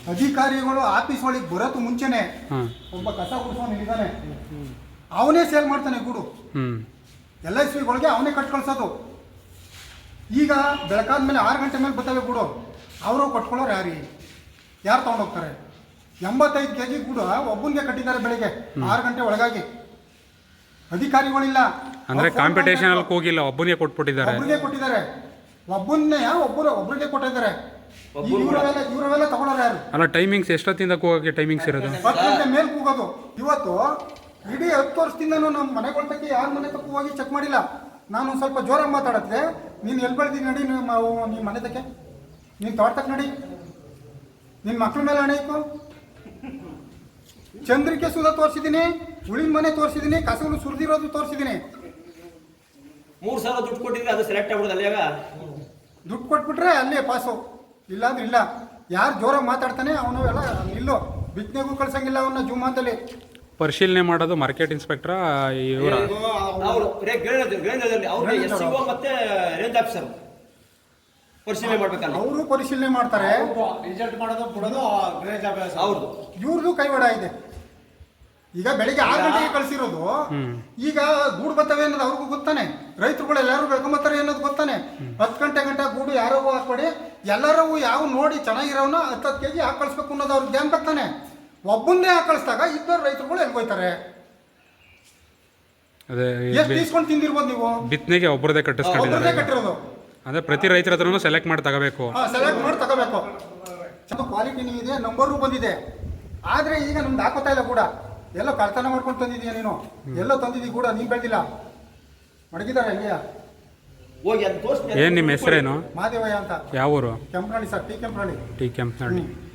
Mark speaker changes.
Speaker 1: ಅಧಿಕಾರಿಗಳು ಆಫೀಸ್ ಒಳಗೆ ಬರೋದು ಮುಂಚೆನೆ
Speaker 2: ಹಾಂ
Speaker 1: ಒಬ್ಬ ಕಸ ಗುಡಿಸೋನು ಇದ್ದಾನೆ, ಅವನೇ ಸೇಲ್ ಮಾಡ್ತಾನೆ ಗೂಡು. LICಗಳಿಗೆ ಅವನೇ ಕಟ್ ಕಳ್ಸೋದು. ಈಗ ಬೆಳಕಾದ ಮೇಲೆ 6 ಗಂಟೆ ಮೇಲೆ ಬರ್ತವೆ ಗೂಡು, ಅವರು ಕಟ್ಕೊಳ್ಳೋರು ಯಾರು ತೊಗೊಂಡೋಗ್ತಾರೆ? 85 kg ಗೂಡು ಒಬ್ಬನಿಗೆ ಕಟ್ಟಿದ್ದಾರೆ ಬೆಳಿಗ್ಗೆ 6 ಗಂಟೆ ಒಳಗಾಗಿ. ಅಧಿಕಾರಿಗಳಿಲ್ಲ
Speaker 2: ಅಂದ್ರೆ ಕಾಂಪಿಟೇಷನ್ ಅಲ್ಲಿ ಹೋಗಿಲ್ಲ, ಒಬ್ಬನಿಗೆ ಕೊಟ್ಬಿಟ್ಟಿದ್ದಾರೆ. ಒಬ್ಬರಿಗೆ ಕೊಟ್ಟಿದ್ದಾರೆ. ಇವರೆಲ್ಲ ತಗೊಳ್ಳೋರು ಯಾರು? ಅಲ್ಲ, ಟೈಮಿಂಗ್ಸ್ ಎಷ್ಟೊತ್ತಿಂದ ಕೂಗೋಕ್ಕೆ ಟೈಮಿಂಗ್ಸ್ ಇರೋದು?
Speaker 1: 10 ಗಂಟೆ ಮೇಲೆ ಕೂಗೋದು. ಇವತ್ತು ಇಡೀ 10 ವರ್ಷದಿಂದನೂ ನಮ್ಮ ಮನೆಗಳ ತಕ್ಕ ಯಾರ ಮನೆ ತಕ್ಕ ಹೋಗಿ ಚೆಕ್ ಮಾಡಿಲ್ಲ. ನಾನು ಸ್ವಲ್ಪ ಜೋರಾಗಿ ಮಾತಾಡತ್ತೆ, ನೀನು ಎಲ್ಲಿ ಬೆಳೆದಿ ನಡಿ, ನಿಮ್ಮ ಮನೆ ತಕ್ಕೆ, ನೀನು ತೋಟಕ್ಕೆ ನಡಿ, ನಿನ್ನ ಮಕ್ಳ ಮೇಲೆ ಹಣೆ ಇತ್ತು. ಚಂದ್ರಿಕೆ ಸುಧಾ ತೋರಿಸಿದ್ದೀನಿ, ಉಳಿನ ಮನೆ ತೋರಿಸಿದ್ದೀನಿ, ಕಸಗಳು ಸುರಿದಿರೋದು ತೋರಿಸಿದ್ದೀನಿ.
Speaker 3: 3 ಸಾವಿರ ದುಡ್ಡು ಕೊಟ್ಟಿದ್ರೆ ಅದು ಸೆಲೆಕ್ಟ್ ಆಗ್ಬಿಡುದು. ಅಲ್ಲಿಯಾಗ
Speaker 1: ದುಡ್ಡು ಕೊಟ್ಬಿಟ್ರೆ ಅಲ್ಲೇ ಪಾಸು, ಇಲ್ಲಾಂದ್ರೆ ಇಲ್ಲ. ಯಾರು ಜೋರಾಗಿ ಮಾತಾಡ್ತಾನೆ ಅವನು ಎಲ್ಲ ಇಲ್ಲೋ ಬಿತ್ತನೆಗೂ ಕಳ್ಸಂಗಿಲ್ಲ ಅವನ್ನ ಜುಮಾದಲ್ಲಿ.
Speaker 2: ಪರಿಶೀಲನೆ ಮಾಡೋದು ಮಾರ್ಕೆಟ್ ಇನ್ಸ್ಪೆಕ್ಟರ್ ಇವರ
Speaker 3: ಅವರು SCO ಮತ್ತೆ ರೇಂಜ್ ಆಫೀಸರ್ ಪರಿಶೀಲನೆ ಮಾಡ್ಬೇಕಲ್ಲ.
Speaker 1: ಅವರು ಪರಿಶೀಲನೆ ಮಾಡ್ತಾರೆ,
Speaker 4: ರಿಸಲ್ಟ್ ಮಾಡೋದು ಬಿಡೋದು ರೇಂಜ್ ಆಫೀಸರ್
Speaker 3: ಅವ್ರದ್ದು.
Speaker 1: ಇವ್ರದ್ದು ಕೈವಾಡ ಇದೆ. ಈಗ ಬೆಳಿಗ್ಗೆ 6 ಗಂಟೆಗೆ ಕಳಿಸಿರೋದು, ಈಗ ಗೂಡು ಬರ್ತವೆ ಅನ್ನೋದು ಅವ್ರಿಗೂ ಗೊತ್ತಾನೆ. ರೈತರುಗಳು ಎಲ್ಲರೂ ಬೆಳ್ಕೊಂಬತ್ತಾರೆ ಅನ್ನೋದು ಗೊತ್ತಾನೆ. 10 ಗಂಟೆ ಗೂಡು ಯಾರೋ ಹಾಕ್ಬೇಡಿ, ಎಲ್ಲರೂ ಯಾವ ನೋಡಿ ಚೆನ್ನಾಗಿರೋನ 10 kg ಹಾಕಿ ಕಳಿಸ್ಬೇಕು ಅನ್ನೋದು ಅವ್ರಿಗೆ ಜ್ಞಾನ ಬರ್ತಾನೆ. ಒಬ್ಬನ್ನೇ ಹಾಕಿ ಕಳಿಸಿದಾಗ ಇಬ್ಬರು ರೈತರುಗಳು ಎಲ್ಲಿ ಹೋಯ್ತಾರೆ?
Speaker 2: ಅದೇ
Speaker 1: ಎಷ್ಟು ಇಸ್ಕೊಂಡು ತಿಂದಿರ್ಬೋದು ನೀವು?
Speaker 2: ಬಿತ್ತನೆಗೆ ಒಬ್ಬರದೇ
Speaker 1: ಒಬ್ಬರದೇ ಕಟ್ಟಿರೋದು.
Speaker 2: ಅಂದ್ರೆ ಪ್ರತಿ ರೈತರ ಹತ್ರನೂ ಸೆಲೆಕ್ಟ್ ಮಾಡಿ ತಗೋಬೇಕು.
Speaker 1: ಸೆಲೆಕ್ಟ್ ಮಾಡಿ ತಗೋಬೇಕು. ಕ್ವಾಲಿಟಿನೂ ಇದೆ, ನಂಬರು ಬಂದಿದೆ. ಆದ್ರೆ ಈಗ ನಮ್ದು ಹಾಕೋತಾ ಇಲ್ಲ ಕೂಡ. ಎಲ್ಲೋ ಕಳ್ತನ ಮಾಡ್ಕೊಂಡು ತಂದಿದೀಯ ನೀನು, ಎಲ್ಲೋ ತಂದಿದ್ದೀವಿ ಕೂಡ, ನೀನ್ ಬೆಳೆದಿಲ್ಲ. ಮಡಗಿದಾರೆ ಹಂಗೆ
Speaker 3: ಹೋಗಿ ಅದು ತೋರಿಸ್ತೀನಿ.
Speaker 2: ಏನ್ ನಿಮ್ಮ ಹೆಸರೇನು?
Speaker 1: ಮಾದೇವಯ್ಯ ಅಂತ.
Speaker 2: ಯಾವ ಊರು?
Speaker 1: Kempanahalli sir, T Kempanahalli.
Speaker 2: T Kempanahalli.